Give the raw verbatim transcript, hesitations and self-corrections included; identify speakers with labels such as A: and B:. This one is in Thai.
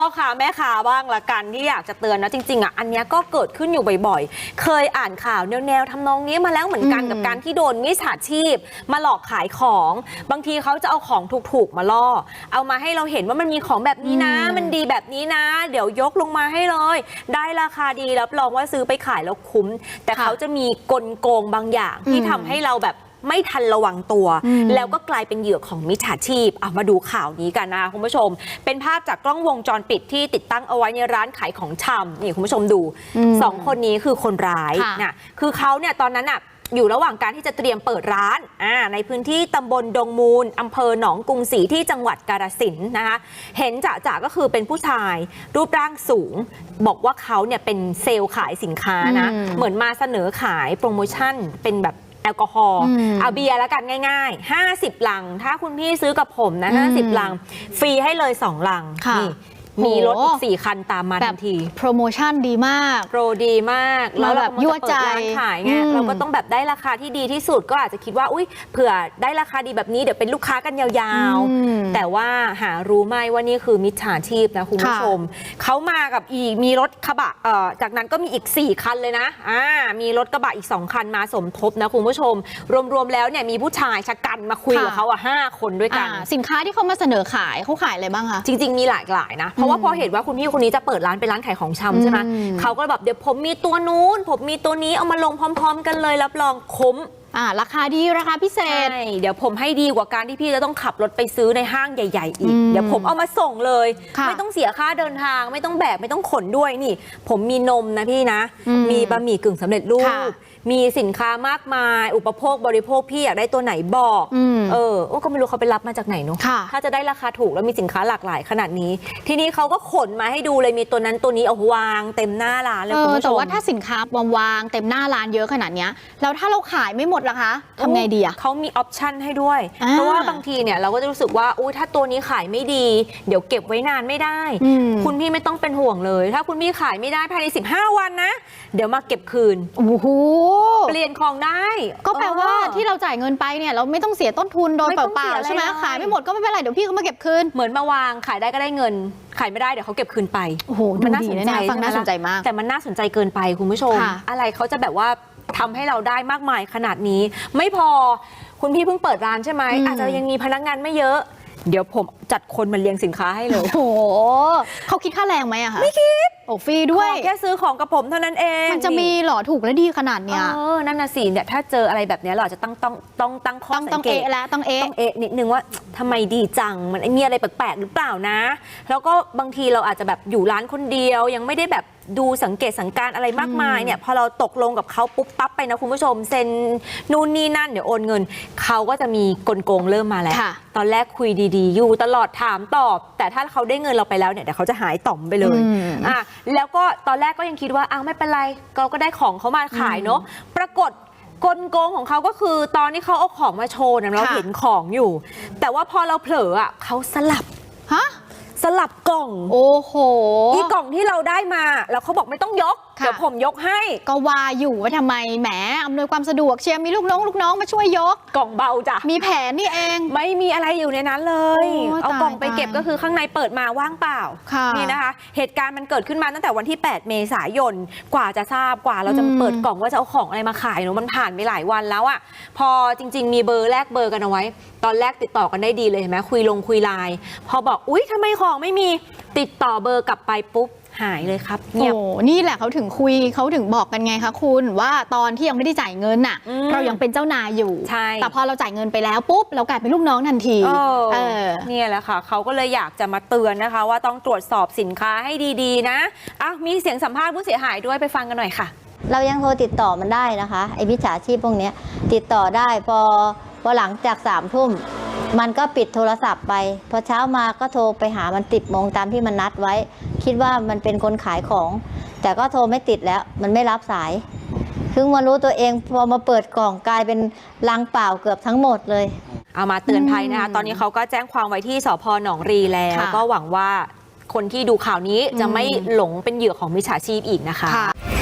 A: พ่อค้าแม่ค้าบ้างละกันที่อยากจะเตือนนะจริงๆอ่ะอันนี้ก็เกิดขึ้นอยู่บ่อยๆเคยอ่านข่าวแนวๆทำนองนี้มาแล้วเหมือนกันกับการที่โดนมิจฉาชีพมาหลอกขายของบางทีเขาจะเอาของถูกๆมาล่อเอามาให้เราเห็นว่ามันมีของแบบนี้นะมันดีแบบนี้นะเดี๋ยวยกลงมาให้เลยได้ราคาดีรับรองว่าซื้อไปขายแล้วคุ้มแต่เขาจะมีกลโกงบางอย่างที่ทำให้เราแบบไม่ทันระวังตัวแล้วก็กลายเป็นเหยื่อของมิจฉาชีพเอามาดูข่าวนี้กันนะคุณผู้ชมเป็นภาพจากกล้องวงจรปิดที่ติดตั้งเอาไว้ในร้านขายของชำนี่คุณผู้ชมดูสองคนนี้คือคนร้ายนะคือเขาเนี่ยตอนนั้นอ่ะอยู่ระหว่างการที่จะเตรียมเปิดร้านอ่าในพื้นที่ตำบลดงมูลอำเภอหนองกรุงศรีที่จังหวัดกาฬสินธุ์นะคะเห็นจะจะก็คือเป็นผู้ชายรูปร่างสูงบอกว่าเขาเนี่ยเป็นเซลล์ขายสินค้านะเหมือนมาเสนอขายโปรโมชั่นเป็นแบบแอลกอฮอล์เอาเบียร์แล้วกันง่ายๆห้าสิบลังถ้าคุณพี่ซื้อกับผมนะห้าสิบลังฟรีให้เลยสองลังนี่มีรถอีกสี่คันตามมาทันที
B: โปรโมชั่นดีมาก
A: โปรดีมาก
B: แล้วแบบยั่วใจ
A: ขายไงเราก็ต้องแบบได้ราคาที่ดีที่สุดก็อาจจะคิดว่าอุ้ยเผื่อได้ราคาดีแบบนี้เดี๋ยวเป็นลูกค้ากันยาวๆแต่ว่าหารู้ไหมว่านี่คือมิจฉาชีพนะคุณผู้ชมเขามากับอีกมีรถกระบะเอ่อจากนั้นก็มีอีกสี่คันเลยนะอ่ามีรถกระบะอีกสองคันมาสมทบนะคุณผู้ชมรวมๆแล้วเนี่ยมีผู้ชายชะกันมาคุยกับเขาอ่ะห้าคนด้วยกัน
B: สินค้าที่เขามาเสนอขายเขาขายอะไรบ้างคะ
A: จริงๆมีหลากหลายนะเพราะว่าพอเห็นว่าคุณพี่คนนี้จะเปิดร้านเป็นร้านขายของชำใช่ไหมเขาก็แบบเดี๋ยวผมมีตัวนู้นผมมีตัวนี้เอามาลงพร้อมๆกันเลยรับรองคุ้ม
B: อ่าราคาดีราคาพิเศษ
A: ใช่เดี๋ยวผมให้ดีกว่าการที่พี่จะต้องขับรถไปซื้อในห้างใหญ่ๆอีกเดี๋ยวผมเอามาส่งเลยไม่ต้องเสียค่าเดินทางไม่ต้องแบกไม่ต้องขนด้วยนี่ผมมีนมนะพี่นะมีบะหมี่กึ่งสำเร็จรูปมีสินค้ามากมายอุปโภคบริโภคพี่อยากได้ตัวไหนบอกเออก็ไม่รู้เขาไปรับมาจากไหนเนาะถ้าจะได้ราคาถูกแล้วมีสินค้าหลากหลายขนาดนี้ทีนี้เขาก็ขนมาให้ดูเลยมีตัวนั้นตัวนี้เอาวางเต็มหน้าร้านเลยคุณผู้ชม
B: แต่ว่าถ้าสินค้าวางเต็มหน้าร้านเยอะขนาดนี้แล้วถ้าเราขายไม่หมดล่ะคะทำไงดีอะ
A: เขามีออปชั่นให้ด้วยเพราะว่าบางทีเนี่ยเราก็จะรู้สึกว่าอุ้ยถ้าตัวนี้ขายไม่ดีเดี๋ยวเก็บไว้นานไม่ได้คุณพี่ไม่ต้องเป็นห่วงเลยถ้าคุณพี่ขายไม่ได้ภายในสิบห้าวันนะเดี๋ยวมาเก็บคืน
B: โอ้โห
A: เปลี่ยนของได้
B: ก็แปลว่าที่เราจ่ายเงินไปเนี่ยเราไม่ต้องเสียต้นทุนโดยเปล่าๆใช่ไหมขายไม่หมดก็ไม่เป็นไรเดี๋ยวพี่เขามาเก็บคืน
A: เหมือนมาวางขายได้ก็ได้เงินขายไม่ได้เดี๋ยวเขาเก็บคืนไป
B: โอ้โหมันน่าสนใจฟังน่าสนใจมาก
A: แต่มันน่าสนใจเกินไปคุณผู้ชมอะไรเขาจะแบบว่าทำให้เราได้มากมายขนาดนี้ไม่พอคุณพี่เพิ่งเปิดร้านใช่ไหมอาจจะยังมีพนักงานไม่เยอะเดี๋ยวผมจัดคนมาเลี้ยงสินค้าให้เลย
B: โอ้โหเขาคิดค่าแรงไหมอะคะ
A: ไม่คิด
B: โอ้ฟรีด้วย
A: แค่ซื้อของกับผมเท่านั้นเอง
B: มันจะมีหล่อถูกและดีขนาดเนี้ย
A: เออนั่นน่ะสิเนี่ยถ้าเจออะไรแบบนี้เราจะต้องต้องต้องตั้งข้อสังเกต
B: แล้วต้องเอะ
A: ต้องเอะนิดนึงว่าทำไมดีจังมันมีอะไรแปลกๆหรือเปล่านะแล้วก็บางทีเราอาจจะแบบอยู่ร้านคนเดียวยังไม่ได้แบบดูสังเกตสังการอะไรมากมายเนี่ยพอเราตกลงกับเขาปุ๊บปั๊บไปนะคุณผู้ชมเซ็นนู่นนี่นั่นเดี๋ยวโอนเงินเขาก็จะมีกลโกงเริ่มมาแล้วตอนแรกคุยดีๆอยู่ตลอดถามตอบแต่ถ้าเขาได้เงินเราไปแล้วเนี่ยเดี๋ยวเขาจะหายต่อมไปเลยอ่ะแล้วก็ตอนแรกก็ยังคิดว่าอ้าวไม่เป็นไรเราก็ได้ของเขามาขายเนาะปรากฏกลโกงของเขาก็คือตอนที่เขาเอาของมาโชว์เนี่ยเราเห็นของอยู่แต่ว่าพอเราเผลออ่ะเขาสลับ
B: ฮะ
A: สลับกล่อง
B: โอ้โห
A: อีกล่องที่เราได้มาแล้วเขาบอกไม่ต้องยกเดี๋ยวผมยกให้
B: ก็ว่าอยู่ว่าทำไมแหมอำนวยความสะดวกเชียร์มีลูกน้องลูกน้องมาช่วยยก
A: กล่องเบาจ้ะ
B: มีแผนนี่เอง
A: ไม่มีอะไรอยู่ในนั้นเลยเอากล่องไปเก็บก็คือข้างในเปิดมาว่างเปล่านี่นะคะเหตุการณ์มันเกิดขึ้นมาตั้งแต่วันที่แปดเมษายนกว่าจะทราบกว่าเราจะเปิดกล่องว่าจะเอาของอะไรมาขายเนาะมันผ่านไปหลายวันแล้วอ่ะพอจริงๆมีเบอร์แลกเบอร์กันเอาไว้ตอนแรกติดต่อกันได้ดีเลยเห็นไหมคุยลงคุยไลน์พอบอกอุ๊ยทำไมของไม่มีติดต่อเบอร์กลับไปปุ๊บหายเลยครับ
B: โอ้นี่แหละเขาถึงคุยเขาถึงบอกกันไงคะคุณว่าตอนที่ยังไม่ได้จ่ายเงินน่ะเรายังเป็นเจ้านายอยู่
A: ใช่
B: แต่พอเราจ่ายเงินไปแล้วปุ๊บเรากลายเป็นลูกน้องทันที
A: เออนี่แหละค่ะเขาก็เลยอยากจะมาเตือนนะคะว่าต้องตรวจสอบสินค้าให้ดีๆนะอ้าวมีเสียงสัมภาษณ์ผู้เสียหายด้วยไปฟังกันหน่อยค่ะ
C: เรายังโทรติดต่อมันได้นะคะไอ้มิจฉาชีพพวกนี้ติดต่อได้พอพอหลังจากสามทุ่มมันก็ปิดโทรศัพท์ไปพอเช้ามาก็โทรไปหามันติดโมงตามที่มันนัดไว้คิดว่ามันเป็นคนขายของแต่ก็โทรไม่ติดแล้วมันไม่รับสายเพิ่งมารู้ตัวเองพอมาเปิดกล่องกลายเป็นลังเปล่าเกือบทั้งหมดเลย
A: เอามาเตือนภัยนะคะตอนนี้เขาก็แจ้งความไว้ที่สภ.หนองรีแล้วก็หวังว่าคนที่ดูข่าวนี้จะไม่หลงเป็นเหยื่อของมิจฉาชีพอีกนะคะ